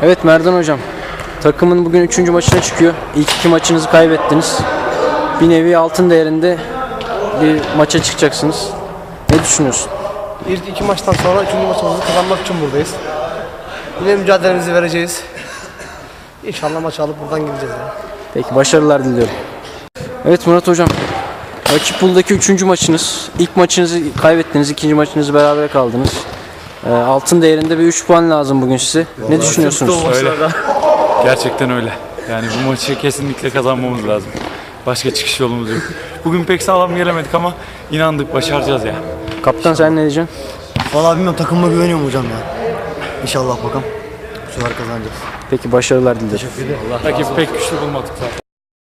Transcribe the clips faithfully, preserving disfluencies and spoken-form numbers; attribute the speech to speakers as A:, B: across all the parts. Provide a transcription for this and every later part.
A: Evet Merdan hocam, takımın bugün üçüncü maçına çıkıyor. İlk iki maçınızı kaybettiniz. Bir nevi altın değerinde bir maça çıkacaksınız. Ne düşünüyorsun?
B: İlk iki maçtan sonra üçüncü maçımızı kazanmak için buradayız. Yine mücadelemizi vereceğiz. İnşallah maçı alıp buradan gideceğiz yani.
A: Peki, başarılar diliyorum. Evet Murat hocam, rakip pooldaki üçüncü maçınız. İlk maçınızı kaybettiniz, ikinci maçınızı berabere kaldınız. Ee, altın değerinde bir üç puan lazım bugün size. Ne düşünüyorsunuz?
C: Öyle. Gerçekten öyle. Yani bu maçı kesinlikle kazanmamız lazım. Başka çıkış yolumuz yok. Bugün pek sağlam gelemedik ama inandık, başaracağız ya.
A: Kaptan sen ne diyeceksin?
D: Vallahi bilmiyorum, takımıma güveniyorum hocam ya. İnşallah bakalım. Bu sefer kazanacağız.
A: Peki, başarılar dilerim.
C: Rakip pek güçlü bulmadık zaten.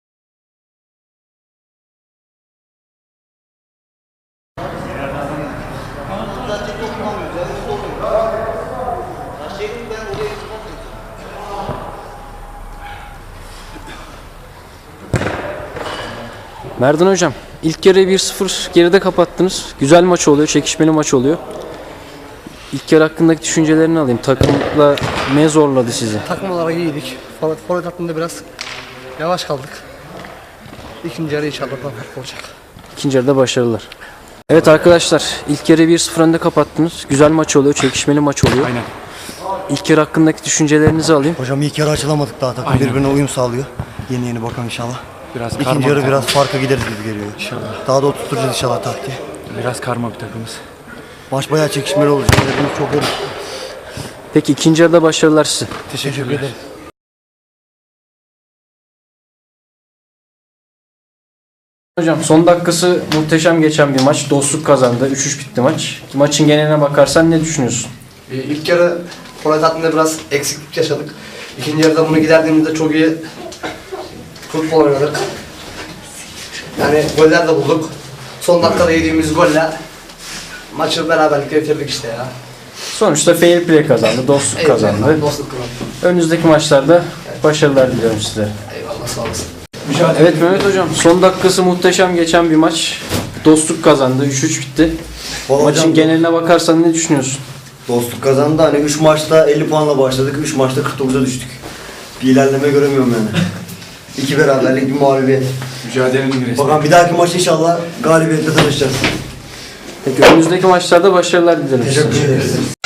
A: Merdan hocam, ilk yarıyı bir sıfır geride kapattınız. Güzel maç oluyor, çekişmeli maç oluyor. İlk yarı hakkındaki düşüncelerini alayım. Takımla ne zorladı sizi?
B: Takım olarak iyiydik. Forvet, forvet hattında biraz yavaş kaldık. İkinci yarı inşallah daha farklı olacak.
A: İkinci yarıda başarılar. Evet arkadaşlar, ilk yarıyı bir sıfır önde kapattınız. Güzel maç oluyor, çekişmeli maç oluyor.
C: Aynen.
A: İlk yarı hakkındaki düşüncelerinizi alayım.
D: Hocam ilk yarı açılamadık daha, takım
C: Aynen.
D: birbirine uyum sağlıyor. Yeni yeni bakalım inşallah.
C: Biraz
D: İkinci
C: karma
D: yarı
C: bir
D: biraz
C: takım.
D: farka gideriz gibi geliyor.
C: İnşallah.
D: Daha da oturtacağız inşallah taktiği.
C: Biraz karma bir takımız.
D: Maç bayağı çekişmeli olacak. Hepimiz çok yorulur.
A: Peki, ikinci yarıda başarılar size.
C: Teşekkür ederim.
A: Hocam, son dakikası muhteşem geçen bir maç. Dostluk kazandı. üç üç bitti maç. Maçın geneline bakarsan ne düşünüyorsun?
B: Ee, İlk yarı forvet hattında biraz eksiklik yaşadık. İkinci yarıda bunu giderdiğimizde çok iyi futbol oynadık. Yani goller de bulduk. Son dakikada yediğimiz golle maçı beraberlikle bitirdik işte ya.
A: Sonuçta fair play kazandı, dostluk kazandı.
B: Eyvallah, dostluk kazandı.
A: Önümüzdeki maçlarda başarılar diliyorum size.
B: Eyvallah, sağ olasın.
A: Evet Mehmet hocam, son dakikası muhteşem geçen bir maç. Dostluk kazandı, üç üç bitti.
D: Vallahi
A: Maçın
D: hocam,
A: geneline bakarsan ne düşünüyorsun?
D: dostluk kazandı. Hani üç maçta elli puanla başladık. üç maçta kırk dokuza düştük. Bir ilerleme göremiyorum yani. İki beraberlik, bir mağlubiyet.
C: Mücadelenin resmi.
D: Bakalım bir dahaki maç inşallah galibiyetle tanışacağız.
A: Peki, önümüzdeki maçlarda başarılar dilerim size.
D: Teşekkür ederiz.